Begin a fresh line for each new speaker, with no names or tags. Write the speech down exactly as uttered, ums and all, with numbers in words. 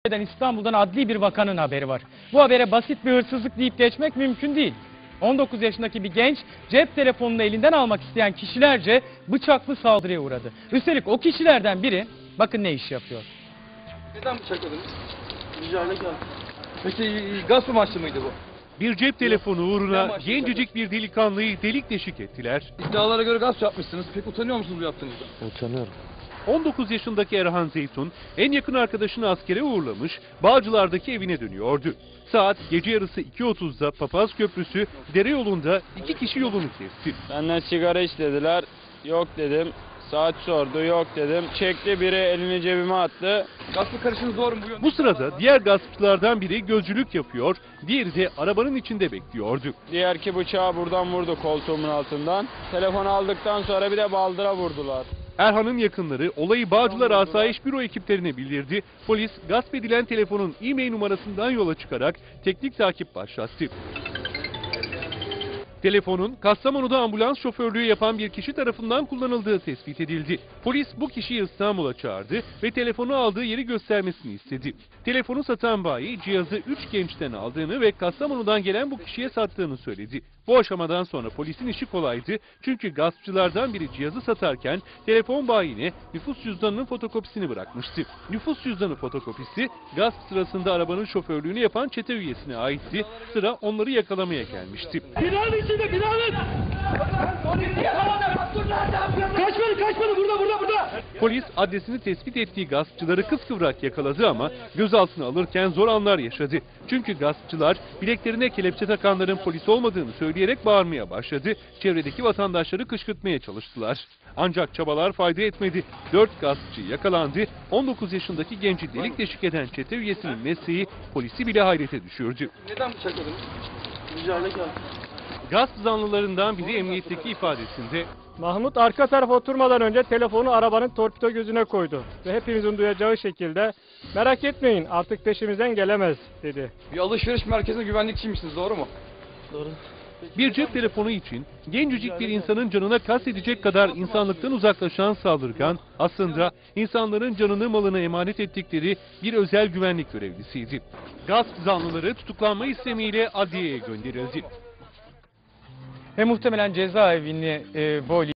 İstanbul'dan adli bir vakanın haberi var. Bu habere basit bir hırsızlık deyip geçmek mümkün değil. on dokuz yaşındaki bir genç cep telefonunu elinden almak isteyen kişilerce bıçaklı saldırıya uğradı. Üstelik o kişilerden biri bakın ne iş yapıyor.
Neden bıçakladınız? Ricayla geldim. Peki gasp amaçlı mıydı bu?
Bir cep telefonu uğruna gencecik bir delikanlıyı delik deşik ettiler.
İddialara göre gasp yapmışsınız. Peki utanıyor musunuz bu yaptığınızdan?
Utanıyorum.
on dokuz yaşındaki Erhan Zeytun en yakın arkadaşını askere uğurlamış, Bağcılar'daki evine dönüyordu. Saat gece yarısı iki otuzda Papaz Köprüsü dere yolunda iki kişi yolunu kesti.
Benden sigara istediler. Yok dedim. Saat sordu. Yok dedim. Çekti, biri elini cebime attı.
Gaspla karışınız doğru mu bu yönde?
Bu sırada diğer gaspçılardan biri gözcülük yapıyor, diğeri de arabanın içinde bekliyordu.
Diğer ki bıçağı buradan vurdu koltuğumun altından. Telefonu aldıktan sonra bir de baldıra vurdular.
Erhan'ın yakınları olayı Bağcılar Asayiş Büro ekiplerine bildirdi. Polis gasp edilen telefonun e-mail numarasından yola çıkarak teknik takip başlattı. Telefonun Kastamonu'da ambulans şoförlüğü yapan bir kişi tarafından kullanıldığı tespit edildi. Polis bu kişiyi İstanbul'a çağırdı ve telefonu aldığı yeri göstermesini istedi. Telefonu satan bayi cihazı üç gençten aldığını ve Kastamonu'dan gelen bu kişiye sattığını söyledi. Bu aşamadan sonra polisin işi kolaydı çünkü gaspçılardan biri cihazı satarken telefon bayine nüfus cüzdanının fotokopisini bırakmıştı. Nüfus cüzdanı fotokopisi gasp sırasında arabanın şoförlüğünü yapan çete üyesine aitti. Sıra onları yakalamaya gelmişti.
Binanın içinde, binanın! Kaçmadı, kaçmadı, burada, burada, burada!
Polis adresini tespit ettiği gaspçıları kıskıvrak yakaladı ama gözaltına alırken zor anlar yaşadı. Çünkü gaspçılar bileklerine kelepçe takanların polis olmadığını söyleyerek bağırmaya başladı. Çevredeki vatandaşları kışkırtmaya çalıştılar. Ancak çabalar fayda etmedi. Dört gaspçı yakalandı. on dokuz yaşındaki genci delik deşik eden çete üyesinin mesleği polisi bile hayrete düşürdü.
Neden bıçakladınız? Ricayla geldim.
Gasp zanlılarından biri emniyetteki ifadesinde
Mahmut arka tarafa oturmadan önce telefonu arabanın torpido gözüne koydu ve hepimizin duyacağı şekilde merak etmeyin artık peşimizden gelemez dedi.
Bir alışveriş merkezinde güvenlikçiymişsiniz doğru mu? Doğru.
bir cep telefonu için gencecik bir insanın canına kastedecek kadar insanlıktan uzaklaşan saldırgan aslında insanların canını malını emanet ettikleri bir özel güvenlik görevlisiydi. Gasp zanlıları tutuklanma istemiyle adliyeye gönderildi.
Ve muhtemelen cezaevini e, boylayacak.